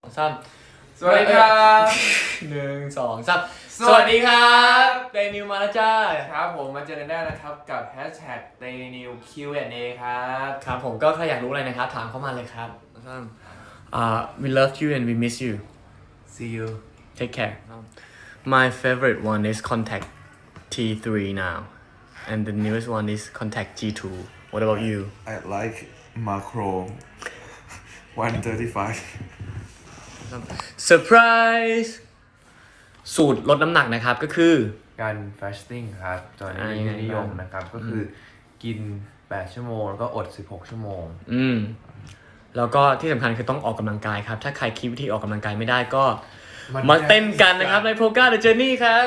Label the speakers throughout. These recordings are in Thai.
Speaker 1: สาม
Speaker 2: สวัสดีครับ
Speaker 1: สวัสดีครับเดนิวมาแล้วจ้า
Speaker 2: ครับผมมาเจอกันได้นะครับกับ #DailyNew Q&A ครับ
Speaker 1: ครับผมก็ใครอยากรู้อะไรนะครับถามเข้ามาเลยครับwe love you and we miss you
Speaker 2: See you
Speaker 1: take care my favorite one is contact T3 now and the newest one is contact G2 what about you
Speaker 3: I like macro 135
Speaker 1: surprise สูตรลดน้ำหนักนะครับก็คือ
Speaker 2: การ fasting ครับตอนนี้นิยมนะครับก็คือกิน8ชั่วโมงแล้วก็อด16ชั่วโมง
Speaker 1: แล้วก็ที่สำคัญคือต้องออกกำลังกายครับถ้าใครคิดวิธีออกกำลังกายไม่ได้ก็มาเต้นกันนะครับใน Polka the Journey ครับ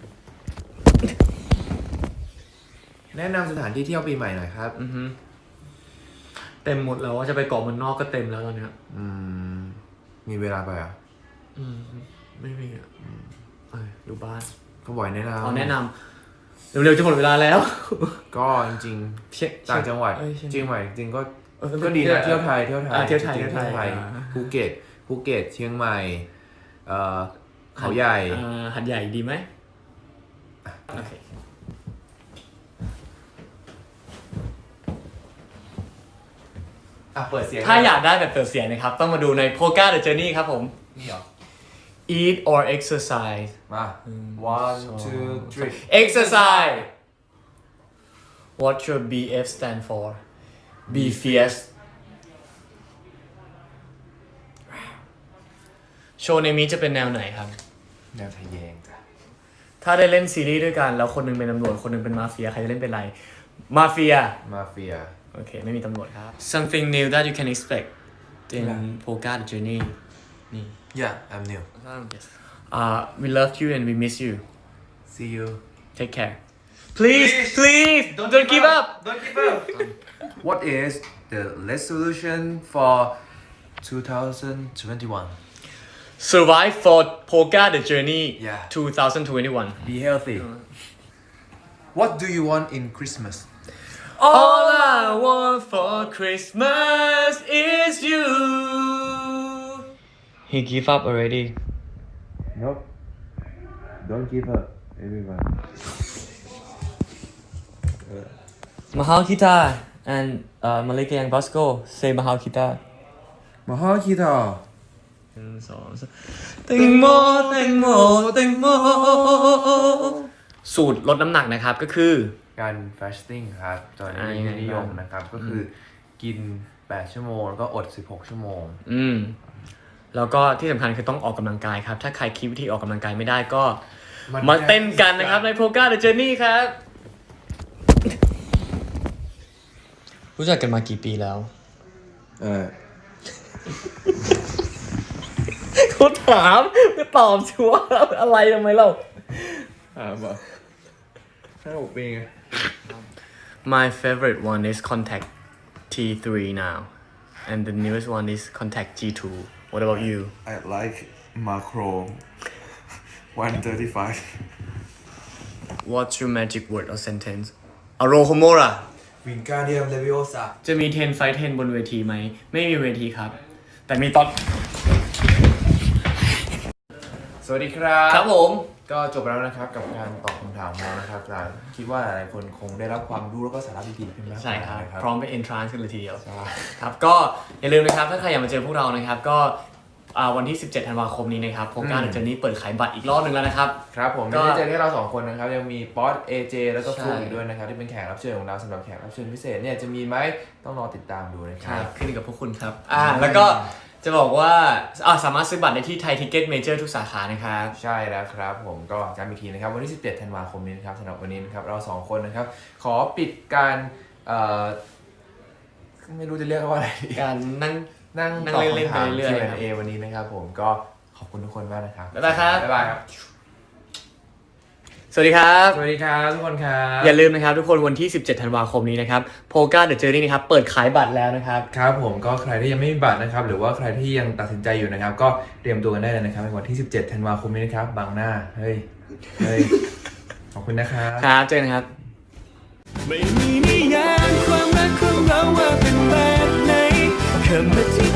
Speaker 2: แนะนำสถานที่เที่ยวปีใหม่หน่อยครับ
Speaker 1: เต็มหมดแล้วว่าจะไปเกาะมันนอกก็เต็มแล้วตอนนี้
Speaker 2: มีเวลาไปอ่ะ
Speaker 1: ไม่มีอ่ะอยู่บ้าน
Speaker 2: ก็บ่อยแนะนำ
Speaker 1: แนะนำเร็วๆจะหมดเวลาแล้ว
Speaker 2: ก็จริงๆต่างจังหวัดจริงใหม่จริงก็ดีนะเที่ยวไทยภูเก็ตเชียงใหม่เขาใหญ่
Speaker 1: หัดใหญ่ดีไหมโอเค
Speaker 2: เปิดเสียง
Speaker 1: ถ้าอยากได้แบบเปิดเสียงนะครับต้องมาดูใน Polka the Journey ครับผม
Speaker 2: นี่เหรอ
Speaker 1: eat or exercise
Speaker 2: มา 1 2 3
Speaker 1: exercise what your BF stand for be fierce โชว์ในนี้จะเป็นแนวไหนครับ
Speaker 2: แนวทะแยงจ้ะ
Speaker 1: ถ้าได้เล่นซีรีส์ด้วยกันแล้วคนนึงเป็นตำรวจคนนึงเป็นมาเฟียใครจะเล่นเป็นอะไรมาเฟียโอเคไม่มีตำรวจครับ something new that you can expect in Polka the Journey นี่
Speaker 2: Yeah I'm new
Speaker 1: yes we love you and we miss you
Speaker 2: See you
Speaker 1: take care please don't give up
Speaker 2: What is the resolution for 2021
Speaker 1: survive for Polka the Journey
Speaker 2: Yeah
Speaker 1: 2021
Speaker 2: Be healthy What do you want in Christmas
Speaker 1: All I want for Christmas is you He give up already
Speaker 2: Nope Don't give up everyone
Speaker 1: Mahal Kita and Malika Yang Bosco say Mahal Kita
Speaker 2: มาฮ่อคิดต่อ
Speaker 1: แตงโมสูตรลดน้ำหนักนะครับก็คือ
Speaker 2: การ fasting ครับตอนนี้นิยมนะครับก็คือกิน8ชั่วโมงแล้วก็อด16ชั่วโมง
Speaker 1: แล้วก็ที่สำคัญคือต้องออกกำลังกายครับถ้าใครคิดวิธีออกกำลังกายไม่ได้ก็มาเต้นกันนะครับใน Polka the Journey ครับรู้จักกันมากี่ปีแล้วเขาถามก็ตอบชัวร์อะไรทำไมเรา
Speaker 2: บอก5-6 ปีไง
Speaker 1: My favorite one is contact T3 now and the newest one is contact G2 what about you
Speaker 3: I like macro 135
Speaker 1: What's your magic word or sentence Arohomora
Speaker 2: Wingardium Leviosa
Speaker 1: จะมี10 fight 10บนเวทีไหมไม่มีเวทีครับแต่มีตอน
Speaker 2: สวัสดีครับ
Speaker 1: ครับผม
Speaker 2: ก็จบแล้วนะครับกับการตอบคำถามของเรานะครับคิดว่าหลายคนคงได้รับความรู้แล้วก็สาระดีๆขึ้นมา
Speaker 1: ใช่ครับพร้อมไป entrance กันเลยทีเดียวครับก็อย่าลืมนะครับถ้าใครอยากมาเจอพวกเรานะครับก็วันที่17ธันวาคมนี้นะครับPolka the Journeyเปิดขายบัตรอีกรอบนึงแล้วนะครับ
Speaker 2: ครับผมไม่ได้เจอแค่เรา2คนนะครับยังมีป๊อต AJ แล้วก็ฟลุ๊กอีกด้วยนะครับที่เป็นแขกรับเชิญของเราสำหรับแขกรับเชิญพิเศษเนี่ยจะมีไหมต้องรอติดตามดูนะครับ
Speaker 1: ขึ้นกับพวกคุณครับแล้วก็จะบอกว่าสามารถซื้อบัตรได้ที่ไทยทิกเก็ตเมเจอร์ทุกสาขานะครับ
Speaker 2: ใช่แล้วครับผมก็ย้ำอีกทีนะครับวันที่17ธันวาคมนี้นะครับสำหรับวันนี้นะครับเรา2คนนะครับขอปิดการไม่รู้จะเรียกว่าอะไร
Speaker 1: การนั่ง
Speaker 2: ตอบ
Speaker 1: เล่น
Speaker 2: คำถาม
Speaker 1: เรื่อยๆ
Speaker 2: Q&A วันนี้นะครับผมก็ขอบคุณทุกคนมากนะครับ
Speaker 1: บ๊ายบายครับ
Speaker 2: บ๊ายบายครับ
Speaker 1: สวัสดีครับ
Speaker 2: สวัสดีครับทุกคนครับ
Speaker 1: อย่าลืมนะครับทุกคนวันที่17ธันวาคมนี้นะครับ Polka the Journey นะครับเปิดขายบัตรแล้วนะครับ
Speaker 2: ครับผมก็ใครที่ยังไม่มีบัตรนะครับหรือว่าใครที่ยังตัดสินใจอยู่นะครับก็เตรียมตัวกันได้เลยนะครับในวันที่17ธันวาคมนี้นะครับบางหน้าเฮ้ยขอบคุณนะครับ
Speaker 1: ครับเจอกันครับไม่มีนิยามความรักของเราว่าเป็นแบบไหนคำอธิ